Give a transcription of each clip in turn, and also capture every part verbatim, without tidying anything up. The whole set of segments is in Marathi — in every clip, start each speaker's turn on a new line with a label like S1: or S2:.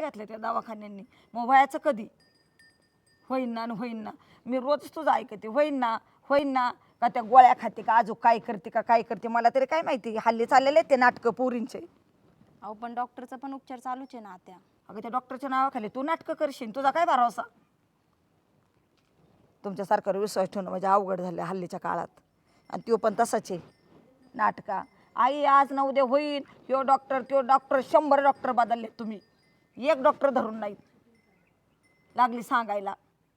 S1: घेतल्या त्या दवाखान्यांनी. मग व्हायचं कधी? होईन ना होईन ना. मी रोज तुझं ऐकते, होईन ना होईन ना. का त्या गोळ्या खाते का अजून काय करते का काय करते मला तरी काय माहिती. हल्ली चाललेले ते नाटकं पोरींचे.
S2: अहो पण डॉक्टरचा पण उपचार चालूच आहे ना आत्या.
S1: अगं त्या डॉक्टरच्या नावाखाली तू नाटकं करशील, तुझा काय भरोसा? तुमच्या सरकारवर विश्वास ठेवणं म्हणजे अवघड झालं हल्लीच्या काळात. आणि तो पण तसाच आहे नाटका. आई आज ना उद्या होईल, ह्यो डॉक्टर त्यो डॉक्टर, शंभर डॉक्टर बदलले तुम्ही, एक डॉक्टर धरून नाहीत लागली सांगायला.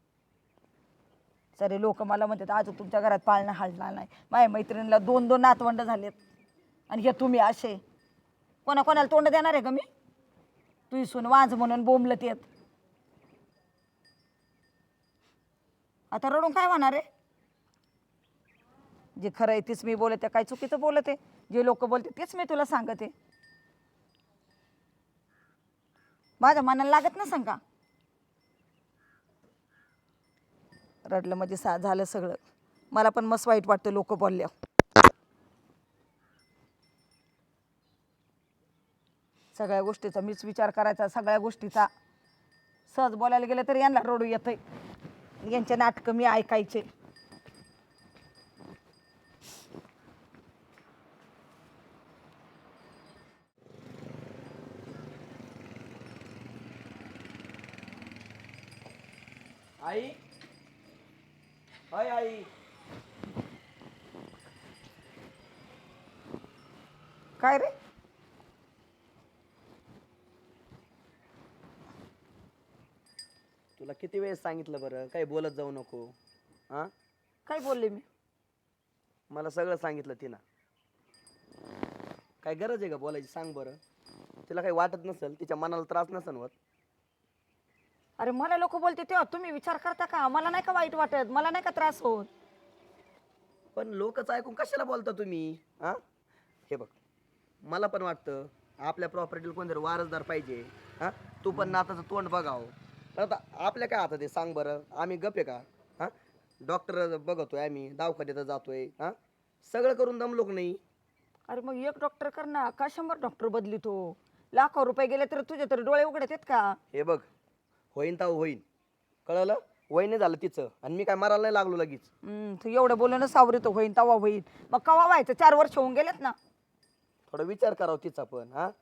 S1: सरे लोक मला म्हणतात आज तुमच्या घरात पाळणा हलणार नाही. माझ्या मैत्रिणीला दोन दोन नातवंड झालेत आणि हे तुम्ही असे. कोणा कोणाला तोंड देणार आहे का मी? तुझी सून वाज म्हणून बोंबलत येत. आता रडून काय होणार आहे? जे खरं आहे तेच मी बोलते, काय चुकीचं बोलते? जे लोक बोलते तेच मी तुला सांगते. माझ्या मनाला लागत नसेल का? रडलं म्हणजे सा झालं सगळं. मला पण मस्त वाईट वाटतं लोक बोलल्यावर. सगळ्या गोष्टीचा मीच विचार करायचा, सगळ्या गोष्टीचा. सहज बोलायला गेलं तरी यांना रडू येतंय. यांचे नाटकं मी ऐकायचे.
S3: आई, हाय आई.
S1: काय रे?
S3: तुला किती वेळेस सांगितलं बरं काही बोलत जाऊ नको. हा,
S1: काय बोलले मी?
S3: मला सगळं सांगितलं तिनं. काय गरज आहे का बोलायची सांग बरं? तिला काही वाटत नसेल, तिच्या मनाला त्रास नसेल होत.
S1: अरे मला लोक बोलते तेव्हा तुम्ही विचार करता का? मला नाही का वाईट वाटत? मला नाही का त्रास होत?
S3: पण लोकच ऐकून कशाला बोलता तुम्ही? हा, हे बघ, मला पण वाटतं आपल्या प्रॉपर्टीला कोणतरी वारसदार पाहिजे. हा, तू पण नाताचं तोंड बघावं. पण आता आपल्या काय हातात आहे सांग बरं? आम्ही गप आहे का? हा, डॉक्टर बघतोय आम्ही, दवाखान्यात जातोय. हा, सगळं करून दमलोक नाही.
S1: अरे मग एक डॉक्टर कर ना, का शंभर डॉक्टर बदली तो? लाखो रुपये गेले तर तुझे तर डोळे उघडत आहेत का?
S3: हे बघ, होईन तर होईन, कळलं? वय झालं तिचं आणि मी काय मारायला नाही लागलो लगेच.
S1: हम्म, तू एवढं बोलणं सावरीत होईन तवा होईन. मग कवा व्हायचं? चार वर्ष होऊन गेलेत ना.
S3: थोडा विचार करावा तिचा पण. हा,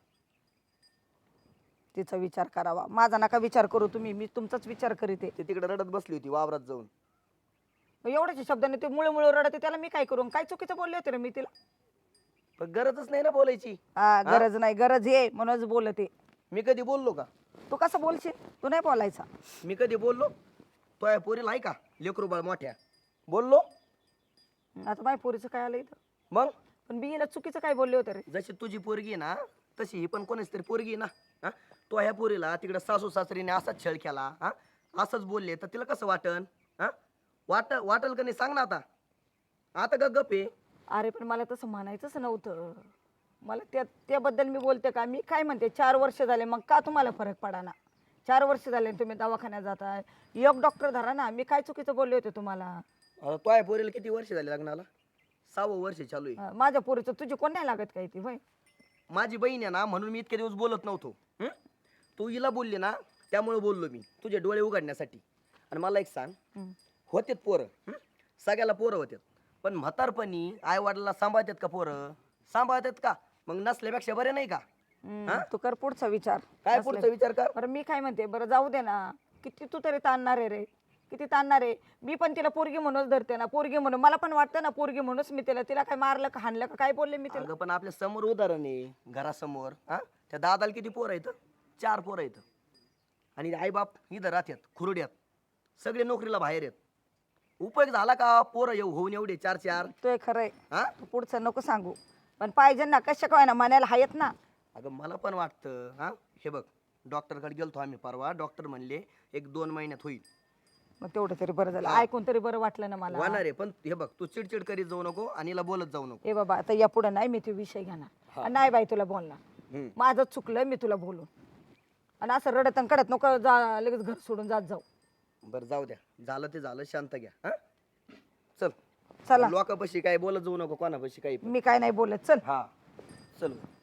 S1: तिचा विचार करावा, माझा नका विचार करू तुम्ही. मी तुमचाच विचार करीते.
S3: ती तिकडे रडत बसली होती वावरात जाऊन.
S1: एवढ्याच्या शब्दाने ते मुळे मुळे रडते, त्याला मी काय करू? काय चुकीचं बोलले होते रे मी तिला?
S3: पण गरजच नाही ना बोलायची.
S1: हा, गरज नाही, गरज आहे म्हणूनच बोलते.
S3: मी कधी बोललो का?
S1: तू कसं बोलशील? तू नाही बोलायचा.
S3: मी कधी बोललो? तो या पोरीला आहे का लेकरू बाळ मोठ्या बोललो?
S1: आता माझ्या पोरीचं काय आलं इथं?
S3: मग
S1: पण मी हिला चुकीचं काय बोलले होते रे?
S3: जशी तुझी पोरगी आहे ना तशी ही पण कोणीच तरी पोरगी आहे ना. हा, तो ह्या पोरीला तिकडे सासू सासरीने असाच छळ केला, हा असंच बोलले तर तिला कसं वाटन? हा, वाट वाटल का नाही सांग ना. आता आता ग गप आहे.
S1: अरे पण मला तसं म्हणायचंच नव्हतं. मला त्या त्याबद्दल मी बोलते का? मी काय म्हणते, चार वर्ष झाले मग का तुम्हाला फरक पडा ना? चार वर्ष झाले तुम्ही दवाखान्यात जाताय, एक डॉक्टर धरा ना. मी काय चुकीचं बोलले होते तुम्हाला?
S3: आता तो या पोरीला किती वर्ष झाले लग्नाला? सहावं वर्ष चालू आहे.
S1: अं, माझ्या पोरीचं तुझी कोण नाही लागत काय ती? होय,
S3: माझी बहीण आहे ना म्हणून मी इतके दिवस बोलत नव्हतो. हं? तू हिला बोलली ना त्यामुळे बोललो मी, तुझे डोळे उघडण्यासाठी. आणि मला एक सांग,
S1: हं.
S3: होतेत पोरं, हं? सगळ्याला पोरं होतात, पण म्हातारपणी आई वडिलांना सांभाळतात का पोरं? सांभाळतात का? मग नसल्यापेक्षा बरे नाही का?
S1: हं, तू कर पुढचा विचार.
S3: काय पुढचा विचार कर?
S1: बरं मी काय म्हणते, बरं जाऊ दे ना. किती तू तरी ताणणार आहे रे, किती ताणणार आहे? मी पण तिला पोरगी म्हणूनच धरते ना, पोरगी म्हणून. मला पण वाटतं ना पोरगी म्हणूनच मी तिला तिला काय मारलं का हाणलं का काय बोलले मी तिला?
S3: अगं पण आपल्या समोर उदाहरण आहे, घरासमोर. हा, त्या दादाला किती पोरं आहेत? चार पोरं आहेत. आणि आई बाप इथं राहतात खुरड्यात, सगळे नोकरीला बाहेर आहेत. उपयोग झाला का पोरं येऊ होऊन एवढे चार चार?
S1: तो खरंय.
S3: हा,
S1: तू पुढचं नको सांगू, पण पाहिजे ना, कशा काय ना म्हणायला हायत ना.
S3: अगं मला पण वाटतं. हा, हे बघ, डॉक्टरकडे गेलतो आम्ही परवा. डॉक्टर म्हणले एक दोन महिन्यात होईल.
S1: मग तेवढं तरी बरं झालं,
S3: हा.
S1: ऐकून तरी बरं वाटलं ना मला.
S3: होणार आहे, पण हे बघ तू चिडचिड करीत जाऊ नको आणि हिला बोलत जाऊ नको.
S1: ए बाबा, आता या पुढे नाही मी ते विषय घेणार. आणि नाही बाई तुला बोलणार.
S3: हम्म.
S1: माझं चुकलं, मी तुला बोलून. आणि असं रडत आणि कडत नको जा, लगेच घर सोडून जात जाऊ.
S3: बरं जाऊ द्या, झालं ते झालं, शांत घ्या. हा, चल.
S1: चला,
S3: लोकांपाशी काय बोलत जाऊ नको, कोणापाशी काही.
S1: मी काय नाही बोलत. चल.
S3: हा, चल.